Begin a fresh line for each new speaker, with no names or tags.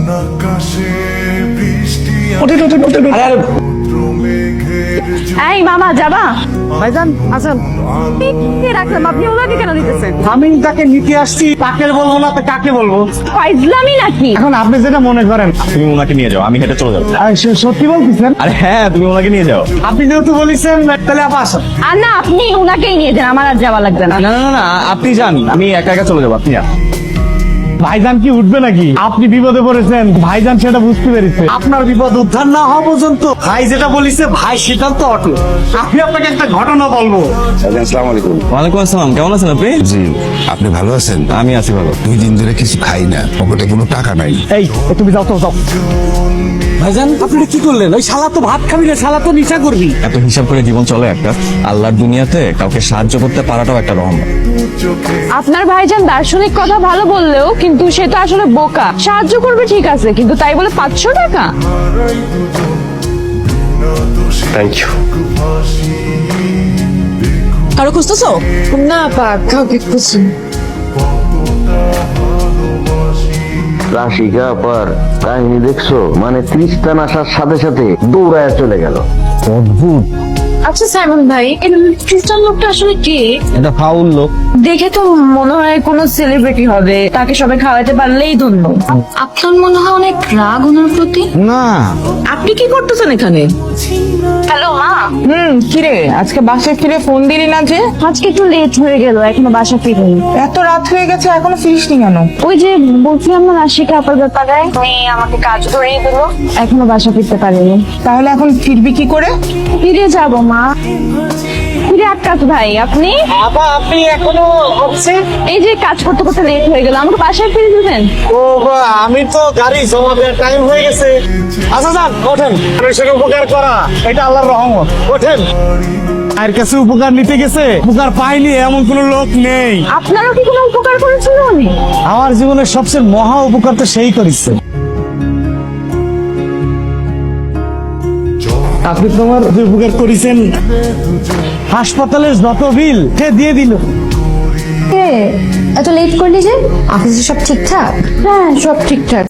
এই মামা যাবা?
ভাইজান আসেন।
কে রাখলাম, আপনি ওনাকে কেন দিতেছেন?
আমি তাকে নিতে আসছি, কাকে বলবো না তো কাকে বলবো?
ফাইজলামি নাকি?
এখন আপনি যেটা মনে করেন।
তুমি ওনাকে নিয়ে যাও, আমি হেঁটে চলে যাবো।
সত্যি বলতেছেন?
আরে হ্যাঁ, তুমি ওনাকে নিয়ে যাও।
আপনি যেহেতু বলেছেন তাহলে আপা আসেন।
আর না, আপনি ওনাকেই নিয়ে যান, আমার আর যাওয়া লাগবে না।
না না না, আপনি যান, আমি একা একা চলে যাবো, আপনি যান।
ভাইজান কি উঠবে নাকি? আপনি বিপদে পড়েছেন, ভাইজান সেটা বুঝতে পেরেছে। আপনার বিপদ উদ্ধার না হওয়া পর্যন্ত ভাই যেটা বলিছে ভাই সেটাও তো অটল। আমি আপনাকে একটা ঘটনা বলবো।
আসসালামু আলাইকুম।
ওয়ালাইকুম আসসালাম, কেমন আছেন আপনি?
জি, আপনি ভালো আছেন?
আমি আছি ভালো।
2 দিন ধরে কিছু খাই না, পকেটে কোনো টাকা নাই।
এই তুমি যাও তো যাও। ভাইজান আপনি কি করলেন? ওই শালা তো ভাত খাবি না, শালা তো নিশা করবি।
এত হিসাব করে জীবন চলে একটা? আল্লাহর দুনিয়াতে কাউকে সাহায্য করতে পারাটাও একটা রহমত।
আপনার ভাইজান দার্শনিক কথা ভালো বললেও কিন্তু সে তো আসলে বোকা। সাহায্য করবে ঠিক আছে, কিন্তু তাই বলে 500 টাকা?
Thank you.
কারো খুঁজতেছো?
না পা কাউকে খুঁজছি।
রাশিকা আপার কাহিনী দেখছো? মানে ত্রিস্তান আসার সাথে সাথে দৌড়ায় চলে গেল।
অদ্ভুত।
আচ্ছা সাইমন ভাই, এই খ্রিস্টান লোকটা আসলে কে?
এটা ফাউল লোক।
দেখে তো মনে হয় কোনো সেলিব্রিটি হবে, তাকে সবাই খাওয়াতে পারলেই ধন্য। আপনার মনে হয় অনেক রাগ ওনার প্রতি।
না,
আপনি কি করতেছেন এখানে?
হ্যালো মা।
কিরে আজকে বাসায় ফিরে ফোন দিলি না যে?
আজকে একটু লেট হয়ে গেল, এখনো বাসা ফিরিনি।
এত রাত হয়ে গেছে এখনো ফিরিসনি কেন?
ওই যে বলছিলাম না রাশিকা আপার ব্যাপারে, উনি আমাকে কাজ ধরিয়ে দিল, এখনো বাসা ফিরতে পারিনি।
তাহলে এখন ফিরবি কি করে?
ফিরে যাব মা। ফিরে আটকাত ভাই, আপনি
আপা আপনি এখনো হচ্ছে?
এই যে কাজ করতে করতে লেট হয়ে গেল, আমাকে বাসায় ফিরে দিবেন?
ও বা, আমি তো গাড়ি জমা দেওয়ার টাইম হয়ে গেছে। আচ্ছা যান ওঠেন, মানুষের উপকার করা এটা আল্লাহর রহমত। ওঠেন। আর কাছে উপকার নিতে গেছে, উপকার পাইনি এমন কোন লোক নেই।
আপনারও কি কোনো উপকার করেছিল উনি?
আমার জীবনের সবচেয়ে মহা উপকার তো সেই করেছে। আপনি তোমার যে উপকার করেছেন, হাসপাতালের যত বিল সে দিয়ে দিল।
এত লেট করলি যে? অফিসে সব ঠিকঠাক?
হ্যাঁ, সব ঠিকঠাক।